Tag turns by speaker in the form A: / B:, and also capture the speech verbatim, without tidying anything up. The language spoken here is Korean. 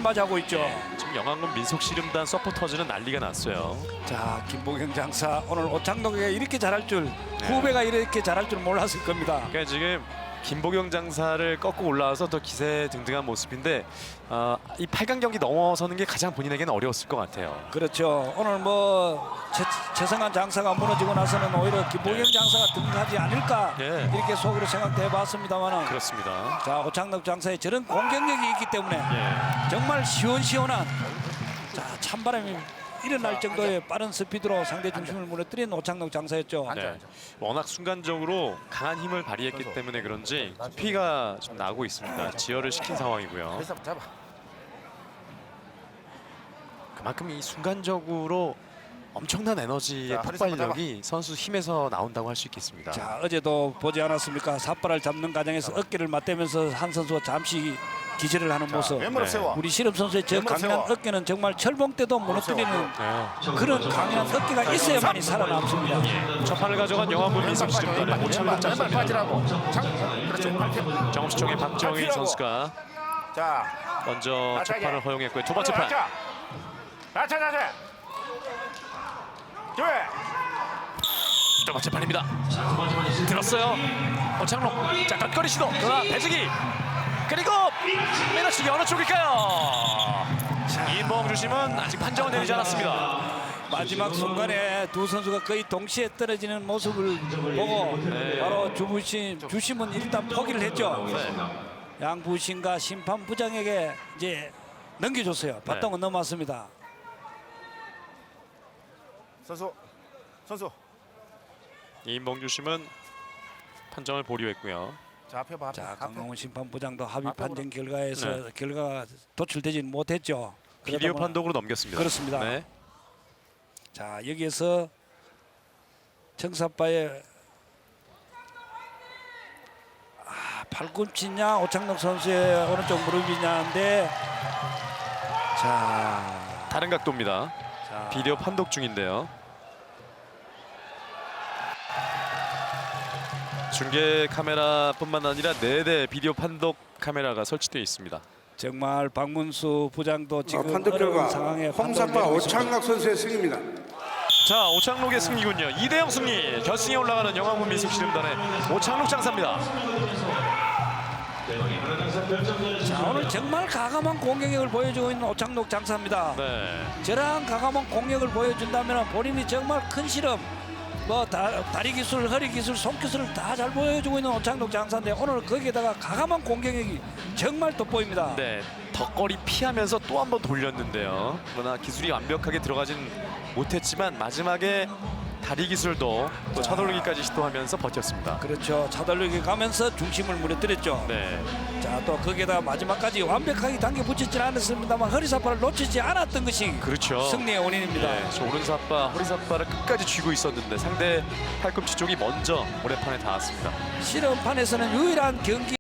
A: 맞이하고 있죠.
B: 지금 영암군 민속씨름단 서포터즈는 난리가 났어요.
A: 자, 김보경 장사 오늘 오창록에게 이렇게 잘할 줄,
B: 네.
A: 후배가 이렇게 잘할 줄 몰랐을 겁니다.
B: 그러니까 지금 김보경 장사를 꺾고 올라와서 더 기세등등한 모습인데 어, 이 팔 강 경기 넘어서는 게 가장 본인에게는 어려웠을 것 같아요.
A: 그렇죠. 오늘 뭐 최, 최성한 장사가 무너지고 나서는 오히려 김보경
B: 네.
A: 장사가 등하지 않을까
B: 네.
A: 이렇게 속으로 생각해봤습니다만은.
B: 그렇습니다.
A: 자, 오창록 장사의 저런 공격력이 있기 때문에
B: 예.
A: 정말 시원시원한 자 찬바람이 일어날 정도의 빠른 스피드로 상대 중심을 무너뜨린 오창록 장사였죠.
B: 네. 워낙 순간적으로 강한 힘을 발휘했기 때문에 그런지 피가 좀 나고 있습니다. 지혈을 시킨 상황이고요.
C: 잡아.
B: 그만큼 이 순간적으로 엄청난 에너지의
C: 자, 허리 잡아,
B: 폭발력이 선수 힘에서 나온다고 할 수 있겠습니다.
A: 자, 어제도 보지 않았습니까? 삿발을 잡는 과정에서 어깨를 맞대면서 한 선수가 잠시 기절을 하는 모습.
C: 왼무릎
B: 네.
C: 세워.
A: 우리 실업 선수의 저
C: 왼무릎
A: 강한
C: 세워.
A: 어깨는 정말 철봉 때도 무너뜨리는
B: 네.
A: 그런 강한 어깨가 있어야만이 살아남습니다.
B: 첫 판을 가져간 영암군 민속씨름단의 오창록
C: 왼발
B: 장사.
C: 빠지라고. 장. 그렇지. 팔
B: 정수총의 박정희
C: 팔피라고.
B: 선수가
C: 자.
B: 먼저 첫
C: 낮게.
B: 판을 허용했고요. 두 번째 판.
C: 낮춰. 낮춰 낮춰. 둘.
B: 두 번째 판입니다. 들었어요. 오창록 잠깐 거리 시도. 그러나 배지기. 그리고 매너치기 어느 쪽일까요? 이인봉 주심은 아직 판정을 내리지 않았습니다.
A: 마지막 순간에 두 선수가 거의 동시에 떨어지는 모습을 보고
B: 네.
A: 바로 주부심 주심은 일단 포기를 했죠.
B: 네.
A: 양 부심과 심판 부장에게 이제 넘겨줬어요. 바통은 넘어왔습니다.
C: 선수. 선수.
B: 이인봉 주심은 판정을 보류했고요.
C: 자, 앞에 봐.
A: 자,
C: 앞에.
A: 강동훈 심판부장도 합의
C: 앞으로.
A: 판정 결과에서
B: 네.
A: 결과가 도출되지는 못했죠.
B: 비디오
A: 그러다 보니-
B: 판독으로 넘겼습니다.
A: 그렇습니다.
B: 네.
A: 자, 여기에서 청사빠의 아, 팔꿈치냐 오창록 선수의 오른쪽 무릎이냐인데 자,
B: 다른 각도입니다.
A: 자
B: 비디오 판독 중인데요. 중계 카메라뿐만 아니라 네 대 비디오 판독 카메라가 설치되어 있습니다.
A: 정말 박문수 부장도 지금
D: 어, 판독
A: 어려운
D: 결과
A: 상황에
D: 홍사파
A: 판독을 내리고 있습니다.
D: 오창락 선수의 승입니다.
B: 자, 오창록의 승리군요. 이 대 영 승리. 결승에 올라가는 영암군 민속씨름단의 오창록 장사입니다.
A: 자, 오늘 정말 가감한 공격력을 보여주고 있는 오창록 장사입니다.
B: 네.
A: 저러한 가감한 공격을 보여준다면 본인이 정말 큰 실험 뭐 다, 다리 기술, 허리 기술, 손 기술을 다 잘 보여주고 있는 오창록 장사인데 오늘 거기에다가 가감한 공격력이 정말 돋보입니다.
B: 네. 덕거리 피하면서 또 한 번 돌렸는데요. 그러나 기술이 완벽하게 들어가진 못했지만 마지막에 다리 기술도 또 차돌리기까지 시도하면서 버텼습니다.
A: 그렇죠. 차돌리기 가면서 중심을 무너뜨렸죠.
B: 네.
A: 자, 또 거기에다가 마지막까지 완벽하게 당겨 붙이진 않았습니다만 허리사파를 놓치지 않았던 것이
B: 그렇죠.
A: 승리의 원인입니다.
B: 네, 저 오른사파, 허리사파를 끝까지 쥐고 있었는데 상대 팔꿈치 쪽이 먼저 모래판에 닿았습니다.
A: 실험판에서는 유일한 경기